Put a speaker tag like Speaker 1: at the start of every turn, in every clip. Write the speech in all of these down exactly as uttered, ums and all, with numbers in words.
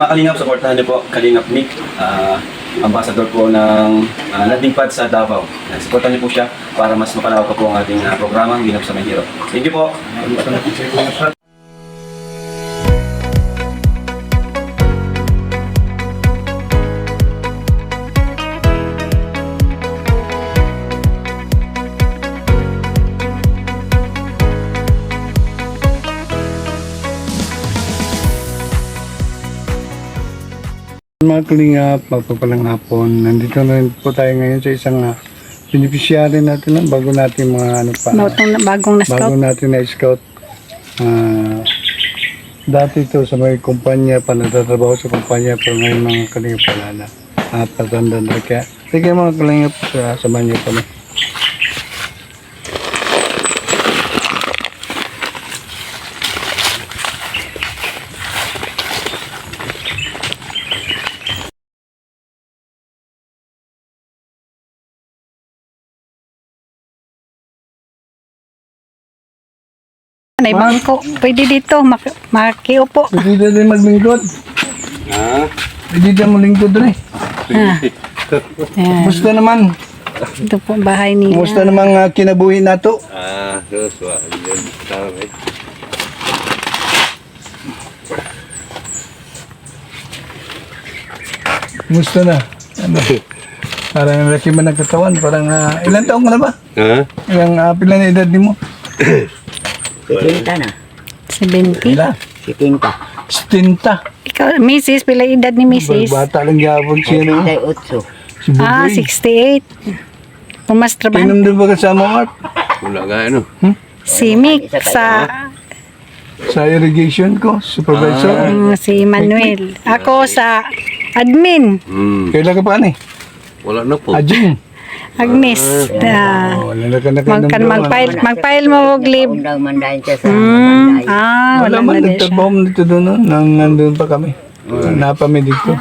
Speaker 1: Mga Kalingap, supportahan niyo po Kalingap Nick, uh, ambassador po ng uh, landing pad sa Davao. Uh, supportahan niyo po siya para mas mapalawak pa po ang ating uh, programang Ginap sa Mahirap. Thank you po.
Speaker 2: Mga Kalingap, magpapalang hapon. Nandito na rin po tayo ngayon sa isang uh, beneficiary natin lang bago natin mga ano pa.
Speaker 3: Bagong, bagong na-scout.
Speaker 2: Bago natin na-scout. Uh, dati ito sa may kumpanya pa, natatrabaho sa kumpanya pero ngayon mga Kalingap wala na. At patanda na kaya. Sige mga Kalingap, uh, samahan niyo pa na.
Speaker 3: May bangko. Pwede dito. Mak makiupo.
Speaker 2: Pwede na rin maglingkod.
Speaker 1: Ha?
Speaker 2: Pwede na mo lingkod rin.
Speaker 3: Ah. Ayan.
Speaker 2: Kumusta naman?
Speaker 3: Ito po ang bahay nila.
Speaker 2: Kumusta naman uh, kinabuhi na to?
Speaker 1: Ah, yes, wa. Tama.
Speaker 2: Kumusta na? Ano? Parang laki man ng katawan. Parang uh, ilan taong ka na ba?
Speaker 1: Ha?
Speaker 2: Ilang uh, pila na edad mo?
Speaker 4: Sitinta na.
Speaker 3: seventy.
Speaker 2: Pila?
Speaker 4: Sitinta.
Speaker 2: Stinta.
Speaker 3: Ikaw, Missus Pila edad ni Missus
Speaker 2: Bata lang gabon siya no?
Speaker 4: Ay, utso.
Speaker 2: Si
Speaker 3: Ah,
Speaker 2: Buboy.
Speaker 3: sixty-eight. Pumas trabaho.
Speaker 2: Inom din ba kasama mo Art?
Speaker 1: Wala nga ano.
Speaker 3: Si Mick sa
Speaker 2: Sa irrigation ko, supervisor.
Speaker 3: mm, si Manuel. Ako sa admin.
Speaker 1: Hmm.
Speaker 2: Kailan ka pa ni?
Speaker 1: Wala na po.
Speaker 2: Ajing.
Speaker 3: Agnes. Ah,
Speaker 2: Oh, wala ka na ka
Speaker 3: magkan mag-file, mag-file mo og leave.
Speaker 4: Undang mandahin siya sa
Speaker 3: Hmm,
Speaker 4: manday.
Speaker 3: ah,
Speaker 2: Wala
Speaker 3: wala
Speaker 2: man,
Speaker 3: na din siya.
Speaker 2: nagtrabaho mo dito doon, no? Nang nandun pa kami. Napami dito.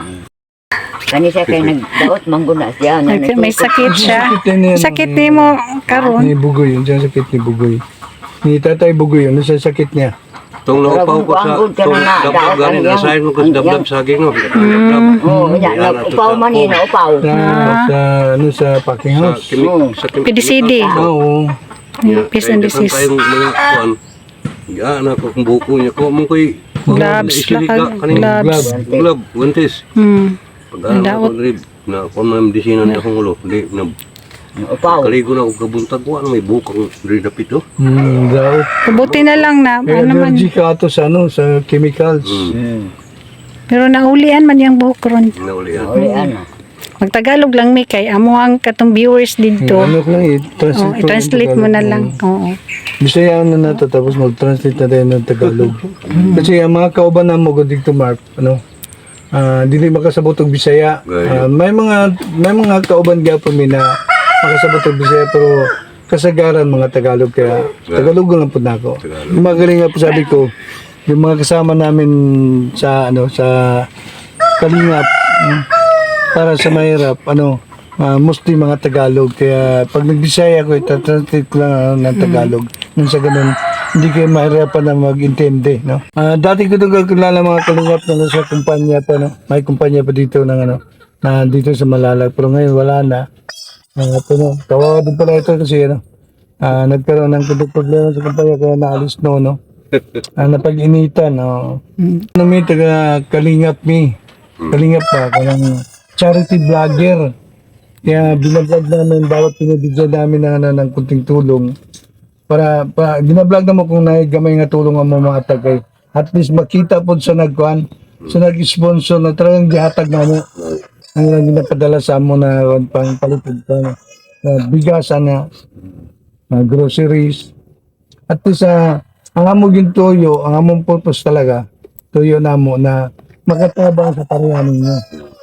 Speaker 4: Kani siya kay nagdaot mangguna siya. nga
Speaker 3: Nag- May
Speaker 4: nagtutok.
Speaker 3: sakit siya.
Speaker 2: Sakit yan yan.
Speaker 3: Sakit ni mo karon.
Speaker 2: Ni Bugoy, yun siya sakit ni Bugoy. Ni Tatay Bugoy, ano sa sakit niya?
Speaker 5: Tong naupaw ko sa
Speaker 4: Ang- ang-
Speaker 5: tong
Speaker 4: ang-
Speaker 5: dablab
Speaker 4: ang-
Speaker 5: galing
Speaker 4: ang-
Speaker 5: nasahin mo ko sa
Speaker 4: ang-
Speaker 5: dablab
Speaker 4: ang-
Speaker 5: saging no.
Speaker 4: Oo, yan. Upaw man yun, upaw.
Speaker 2: Sa, sa, ano, sa packing
Speaker 5: Sa
Speaker 2: house.
Speaker 5: kimi
Speaker 4: Oo.
Speaker 5: sa kimi.
Speaker 3: P D C D.
Speaker 2: Oo.
Speaker 3: Peace and disease.
Speaker 5: Tayong mga kuan. Ya na ko kung buko niya ko mo koy
Speaker 3: Gloves, lakad, gloves.
Speaker 5: Glove, guantes.
Speaker 3: Hmm.
Speaker 5: Pagdaan
Speaker 3: Daot.
Speaker 5: ko rib na kon na medisina niya akong ulo. Di na
Speaker 4: Upaw.
Speaker 5: kaligo na ako kabuntag ko ano may bukang diri dapit oh.
Speaker 2: Hmm, daw.
Speaker 3: Buti na lang na
Speaker 2: May
Speaker 3: ano man.
Speaker 2: allergy ka ato sa, ano, sa chemicals.
Speaker 3: Pero naulian man yung buhok ron.
Speaker 5: Nauli yan.
Speaker 4: Uli ano.
Speaker 3: Magtagalog lang mi kay amo ang katong viewers dito.
Speaker 2: Ano ko lang,
Speaker 3: Oh,
Speaker 2: i-translate,
Speaker 3: i-translate mo na lang. Oo.
Speaker 2: Bisaya na na to, tapos mag-translate na tayo ng Tagalog. Kasi ang mga kauban na mo ko dito, Mark, ano, ah dili makasabot og Bisaya. Ah, may mga may mga kauban gyapon mi na makasabot og Bisaya pero kasagaran mga Tagalog kaya Tagalog lang pud nako. Yung mga galing nga po sabi ko, yung mga kasama namin sa ano sa Kalingap mm, para sa mahirap ano ah, mostly mga Tagalog kaya pag nagbisaya ko ita-translate ko lang ano, ng Tagalog nung sa ganun hindi kayo mahirapan na mag-intindi no. Ah, dati ko itong kakilala mga Kalingap na nasa kumpanya pa no. May kumpanya pa dito ng ano na dito sa Malalag pero ngayon wala na. Mga ito no. Kawawa din pala ito kasi ano ah, nagkaroon ng kundi problema sa kumpanya kaya naalis no no. Ah, napag-initan no. Ano may taga Kalingap mi. Kalingap pa kanang charity vlogger. Kaya binablog namin bawat pinibigyan namin ng, ano, ng kunting tulong. Para, para binablog naman kung naigamay nga tulong ang mga tagay. At least makita po sa nagkuhan, sa nag-sponsor na talagang gihatag na mo. Ang lang ginapadala sa mo na pang palipid pa na, na bigasan na, na groceries. At least sa ang among yung tuyo, ang among purpose talaga, tuyo na mo na makatabang sa pariyanin niya.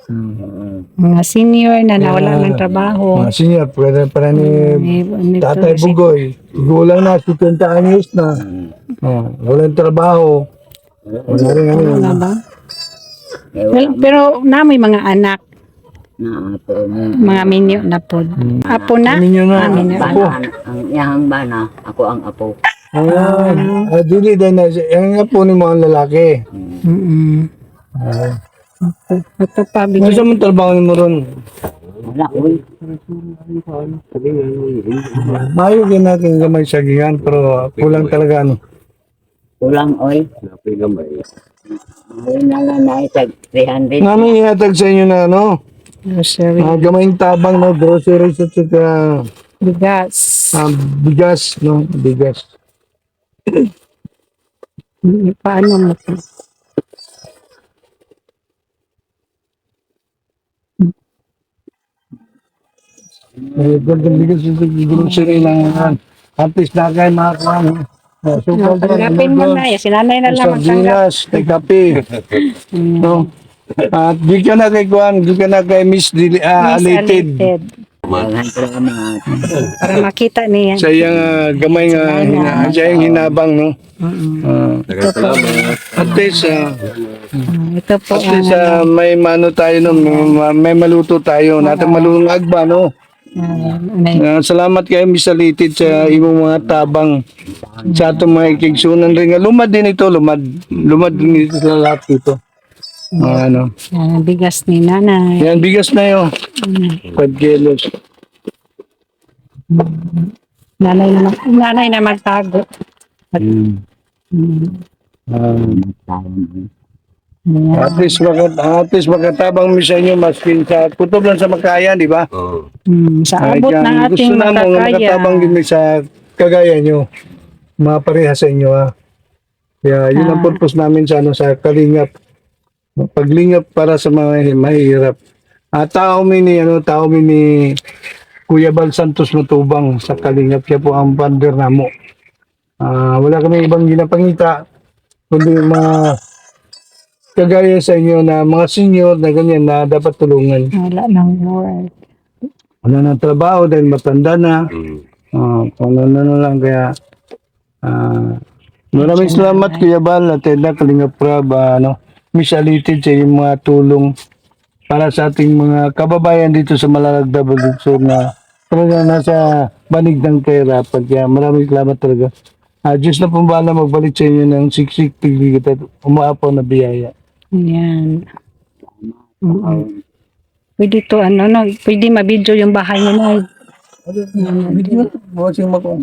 Speaker 3: Mga senior na nawala ng trabaho.
Speaker 2: Mga senior, pwede para ni
Speaker 3: Ni- ni-
Speaker 2: Tatay Bugoy. Gulang na, setenta anyos na. Oh, walang trabaho. Wala rin ano.
Speaker 3: Wala ba? Well, pero namoy mga anak,
Speaker 4: Na apo mo.
Speaker 3: mga minyo na pod. Apo na?
Speaker 2: Kami nyo na.
Speaker 3: Ah, minyo.
Speaker 2: Ako.
Speaker 4: Bana, ang yahang bana. Ako ang apo.
Speaker 2: Ayan. Ah, dili din na. Yan nga po ni mga lalaki.
Speaker 3: Mm-mm.
Speaker 2: Ah.
Speaker 3: Ito pa,
Speaker 2: Ano
Speaker 3: bigyan.
Speaker 2: sa mong trabaho mo ron?
Speaker 4: Wala, uy.
Speaker 2: Mayo din natin gamay sa gigan, pero kulang talaga ano.
Speaker 4: Kulang, uy.
Speaker 5: Napay gamay.
Speaker 4: Ayun na lang na isa, three hundred.
Speaker 2: Namin ihatag sa inyo na ano,
Speaker 3: Grocery.
Speaker 2: uh, gamayng tabang no, groceries at saka
Speaker 3: Bigas.
Speaker 2: ah, bigas, no, bigas.
Speaker 3: Hmm, Paano mo ito?
Speaker 2: Eh, gandang bigas yung grocery lang yan. At least na kayo makakuha. no? Oh, so,
Speaker 3: No, tanggapin mo na. Si nanay na lang magtanggap.
Speaker 2: sardinas, kay kape. no? At di ka na kay Kuan, di ka na kay Miss Dili, ah,
Speaker 3: Miss
Speaker 2: Alated.
Speaker 3: Alated.
Speaker 4: Kailangan ko lang mga
Speaker 3: Para makita niya.
Speaker 2: Sa iyang ah, gamay nga, hina, sa iyang hinabang, no? Ah,
Speaker 5: Salamat.
Speaker 2: at least, ah,
Speaker 3: Ah, Ito po
Speaker 2: at least
Speaker 3: ang
Speaker 2: ah, may mano tayo, no? may, may maluto tayo. Natin malunong agba, no?
Speaker 3: ah, ano yun?
Speaker 2: Ah, salamat kayo, Miss Alated, sa imong mga tabang sa atong mga ikigsunan rin. nga. Lumad din ito, lumad. Lumad din ito sa lahat ito. Ah, ano.
Speaker 3: Ah, bigas ni nanay.
Speaker 2: Yan, bigas na yun. five kilos.
Speaker 3: Nanay na, mag- nanay na magtago.
Speaker 2: Mm.
Speaker 3: Hmm.
Speaker 2: Um,
Speaker 3: Ayan.
Speaker 2: at least makat at least makatabang mi sa inyo maski sa kutob lang sa makaya, di ba?
Speaker 5: Oo.
Speaker 3: Hmm, sa
Speaker 2: Ay,
Speaker 3: abot
Speaker 2: kaya
Speaker 3: ng ating
Speaker 2: gusto na mo nga
Speaker 3: makakaya.
Speaker 2: makatabang din mi sa kagaya nyo. Mapareha sa inyo ha. Kaya yun ang
Speaker 3: Ah.
Speaker 2: purpose namin sa ano sa kalingap. Paglingap para sa mga mahihirap. At tao mi ni ano tao mi ni Kuya Bal Santos Matubang sa kalingap, siya po ang founder namo. Ah, wala kami ibang ginapangita kundi mga kagaya sa inyo na mga senior na ganyan na dapat tulungan.
Speaker 3: Wala nang work.
Speaker 2: Wala na trabaho dahil matanda na.
Speaker 5: Mm.
Speaker 2: Uh, kung ano na lang kaya ah, maraming salamat Kuya Bal at Edna Kalingap Prab, ah, ano, Miss Alated sa inyong mga tulong para sa ating mga kababayan dito sa Malalagda Bulugsor na talaga nasa banig ng kahirapan. Kaya maraming salamat talaga. Ah, Diyos na pong bahala magbalik sa inyo ng siksik, tigligit at umaapaw na biyaya.
Speaker 3: Ayan. Mm-mm. Pwede to ano, no? Pwede mabidyo yung bahay niyo na.
Speaker 2: Video, bukas yung makong.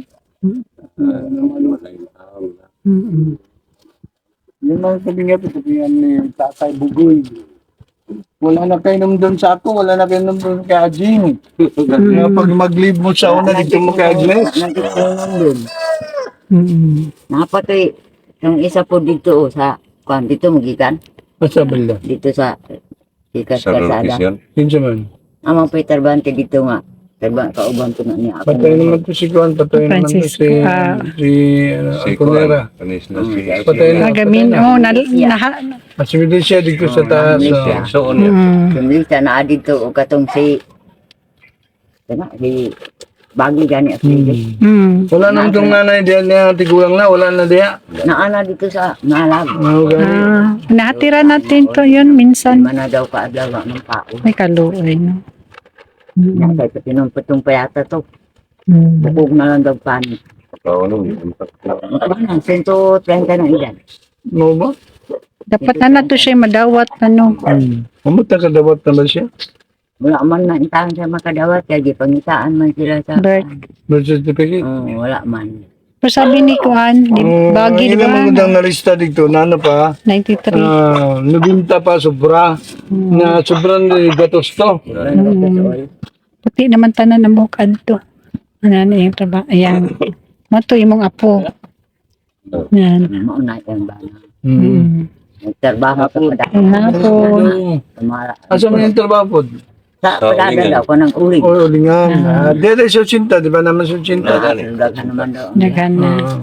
Speaker 3: Mm-mm.
Speaker 2: Yung mga kalingap, sabihan ni Tatay Bugoy. Wala na kayo nung doon sa ako, wala na kayo nung doon kay Ajing. Kaya pag mag-leave mo sa una, dito mo kay Agnes.
Speaker 4: Nandun.
Speaker 3: Mm-mm.
Speaker 4: Napatoy, yung isa po dito, oh, sa, kwan, dito magikan.
Speaker 2: Basta bala.
Speaker 4: Dito sa, Sikat
Speaker 5: Sa
Speaker 4: Kasada.
Speaker 5: location.
Speaker 2: Kinsa man.
Speaker 4: Amang po'y tarbante dito nga. Tarbang kauban ko na niya. Ako
Speaker 2: Patay naman to si Juan, patay naman to
Speaker 3: Francisco,
Speaker 2: si,
Speaker 3: ah.
Speaker 2: si, ano,
Speaker 5: Si
Speaker 2: Alconera.
Speaker 5: Kuan. Kanis na si
Speaker 2: Patay na.
Speaker 3: Nagamin, oh, na, na,
Speaker 2: Masimili siya dito sa
Speaker 4: Oh,
Speaker 2: taas.
Speaker 4: Malaysia.
Speaker 2: oh.
Speaker 5: So, on yan.
Speaker 3: mm,
Speaker 4: Sumilita na dito o katong si, ano, si, Bagi gani at Lili.
Speaker 3: mm,
Speaker 2: Wala naman itong nanay diyan niya, tigulang na, wala na diya.
Speaker 4: Naana dito sa Nalag.
Speaker 2: Ano gani?
Speaker 3: ah, nahatira natin to yun minsan.
Speaker 4: Lima na daw kaadlaw ng tao.
Speaker 3: May kaluoy, no? Mm,
Speaker 4: Nakay sa pinumputong payata to.
Speaker 3: mm.
Speaker 4: Bukog na lang daw panik.
Speaker 5: Ikaw, ano, yung
Speaker 4: Ano, one hundred thirty na edad.
Speaker 2: Ano ba?
Speaker 3: Dapat na na to siya madawat, ano?
Speaker 2: Hmm. Kamusta ka dapat naman siya?
Speaker 4: Wala man na intahan siya makadawat. Kaya di pangitaan man sila sa...
Speaker 3: Birth.
Speaker 2: Birth certificate?
Speaker 4: Oo, wala man.
Speaker 3: Pero sabi ni Kuan, di,
Speaker 2: Oh,
Speaker 3: bagi, di
Speaker 2: ilang
Speaker 3: ba?
Speaker 2: magandang nalista dito, na ano pa,
Speaker 3: ninety-three.
Speaker 2: ah, nabinta pa sobra, na sobrang gatos to.
Speaker 3: Mm. Puti naman tanan ng bukad to. Ano na yung trabaho. Ayan. Mato imong apo. Yan.
Speaker 4: Mauna yung bana.
Speaker 2: Hmm.
Speaker 3: Mm.
Speaker 4: Nagtrabaho sa padaan.
Speaker 3: Hapon.
Speaker 2: Oh. Asa mo yung trabaho po?
Speaker 4: Sa
Speaker 5: Sa
Speaker 4: padaan
Speaker 5: ulingan.
Speaker 4: daw ko ng uling.
Speaker 2: O, ulingan. Ah, Dede sa Sinta, di ba naman sa Sinta?
Speaker 4: Daghan naman daw.
Speaker 3: Daghan na.
Speaker 2: Ah.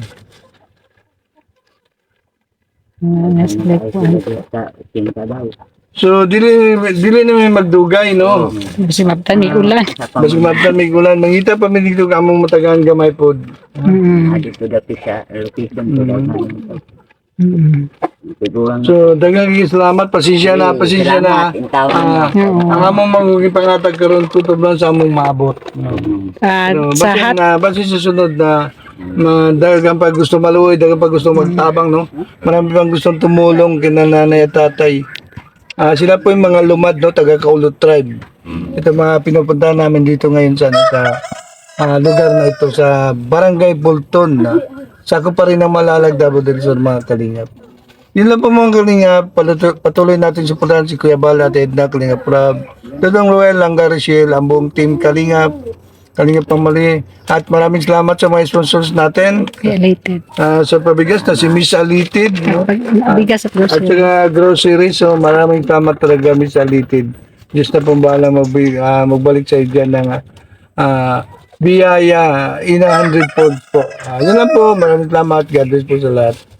Speaker 3: Ah, nasa Kuan.
Speaker 4: Sa tinta daw.
Speaker 2: So, dili, dili namin magdugay, no?
Speaker 3: Kasi mabtan ni ulan.
Speaker 4: Sa
Speaker 2: Mas mabtan may gulan. Mangita pa may dito kamong matagaan gamay po.
Speaker 3: Mm.
Speaker 4: dito daw sa location ko daw.
Speaker 3: Mm.
Speaker 4: Siguro nga.
Speaker 2: So, dagang salamat. Pasensya na, pasensya na.
Speaker 4: Salamat, intawan
Speaker 2: Ah,
Speaker 4: niyo.
Speaker 3: Oo.
Speaker 2: ang among magiging pangatag karon tutob lang sa among maabot.
Speaker 3: At
Speaker 2: No,
Speaker 3: sa
Speaker 2: basta
Speaker 3: hat,
Speaker 2: na, basta sa sunod na na dagang pag gusto maluoy, dagang pag gusto magtabang, no? Marami pang gustong tumulong kina nanay at tatay. Ah, sila po yung mga lumad, no, taga Kaulot tribe. Ito mga pinupuntahan namin dito ngayon sa, ano, sa ah, lugar na ito, sa Barangay Bolton. Na, sako pa rin ng Malalag, Davao del Sur, mga kalingap. Yun lang po mga kalingap, Patuloy, patuloy natin suportahan si Kuya Bal at Edna, Kalingap Rab, Dodong Roel, Langga Rachel, ang buong team Kalingap, Kalingap Pamali, at maraming salamat sa mga sponsors natin.
Speaker 3: Related.
Speaker 2: Ah, sa pabigas na si Miss Alitid, no?
Speaker 3: Pag bigas at
Speaker 2: At
Speaker 3: grocery.
Speaker 2: saka grocery, so maraming salamat talaga Miss Alitid. Diyos na pong bahala magbi- ah, magbalik sa iyo dyan ng ah, biyaya in a hundred fold po. Ah, yun lang po, maraming salamat. God bless po sa lahat.